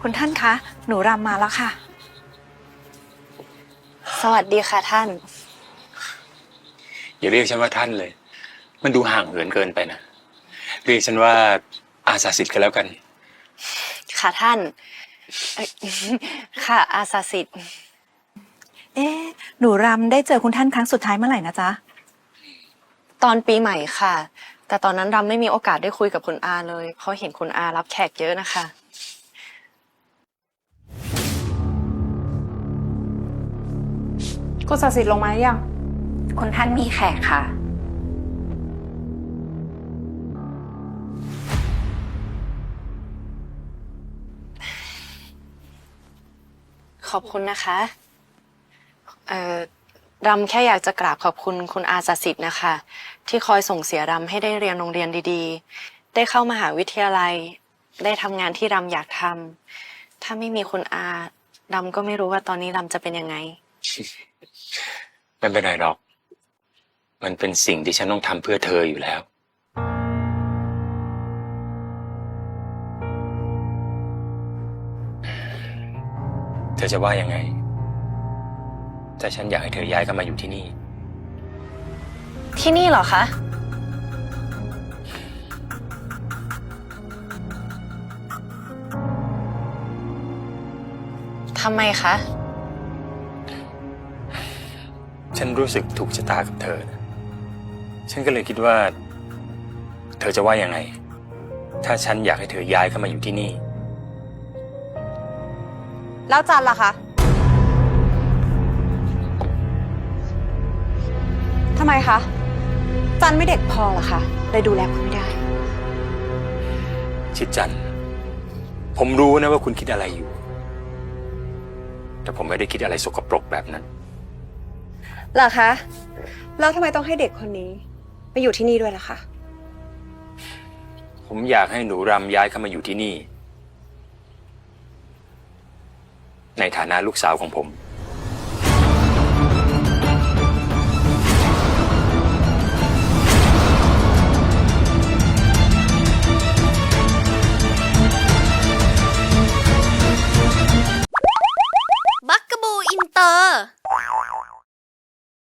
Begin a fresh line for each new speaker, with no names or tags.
คุณท่านคะ หนูรำมาแล้วค่ะ
สวัสดีค่ะท่าน
อย่าเรียกฉันว่าท่านเลย มันดูห่างเหินเกินไปนะเรียกฉันว่าอาสาสิทธิ์กันแล้วกัน
ค่ะท่านเอ่อค่ะอาสาสิทธิ์
เอ๊ะหนูรำได้เจอคุณท่านครั้งสุดท้ายเมื่อไหร่นะจ๊ะ
ตอนปีใหม่ค่ะ แต่ตอนนั้นรำไม่มีโอกาสได้คุยกับคุณอาเลยเพราะเห็นคุณอารับแขกเยอะนะคะ
คุณศักดิ์สิทธิ์ลงมาหรือยัง
คุณท่านมีแขกค่ะ
ขอบคุณนะคะรำแค่อยากจะกราบขอบคุณคุณอาสาสิทธิ์นะคะ ที่คอยส่งเสียรำให้ได้เรียนโรงเรียนดีๆ ได้เข้ามหาวิทยาลัย ได้ทำงานที่รำอยากทำถ้าไม่มีคุณอารำก็ไม่รู้ว่าตอนนี้รำจะเป็นยังไง
ไม่เป็นไรหรอก มันเป็นสิ่งที่ฉันต้องทำเพื่อเธออยู่แล้ว เธอจะว่ายังไงถ้าฉันอยากให้เธอย้ายเข้ามาอยู่ที่นี่
ที่นี่เหรอคะ ทำไมคะ
ฉันรู้สึกถูกชะตากับเธอนะฉันก็เลยคิดว่า เธอจะว่ายังไง ถ้าฉันอยากให้เธอย้ายเข้ามาอยู่ที่นี่
แล้วจันล่ะคะทำไมคะ จันไม่เด็กพอเหรอคะเลยดูแลคุณไม่ได้
ชิดจันทร์ผมรู้นะว่าคุณคิดอะไรอยู่ แต่ผมไม่ได้คิดอะไรสกปรกแบบนั้น
เหรอคะ แล้วทำไมต้องให้เด็กคนนี้มาอยู่ที่นี่ด้วยล่ะคะ
ผมอยากให้หนูรำย้ายเข้ามาอยู่ที่นี่ ในฐานะลูกสาวของผม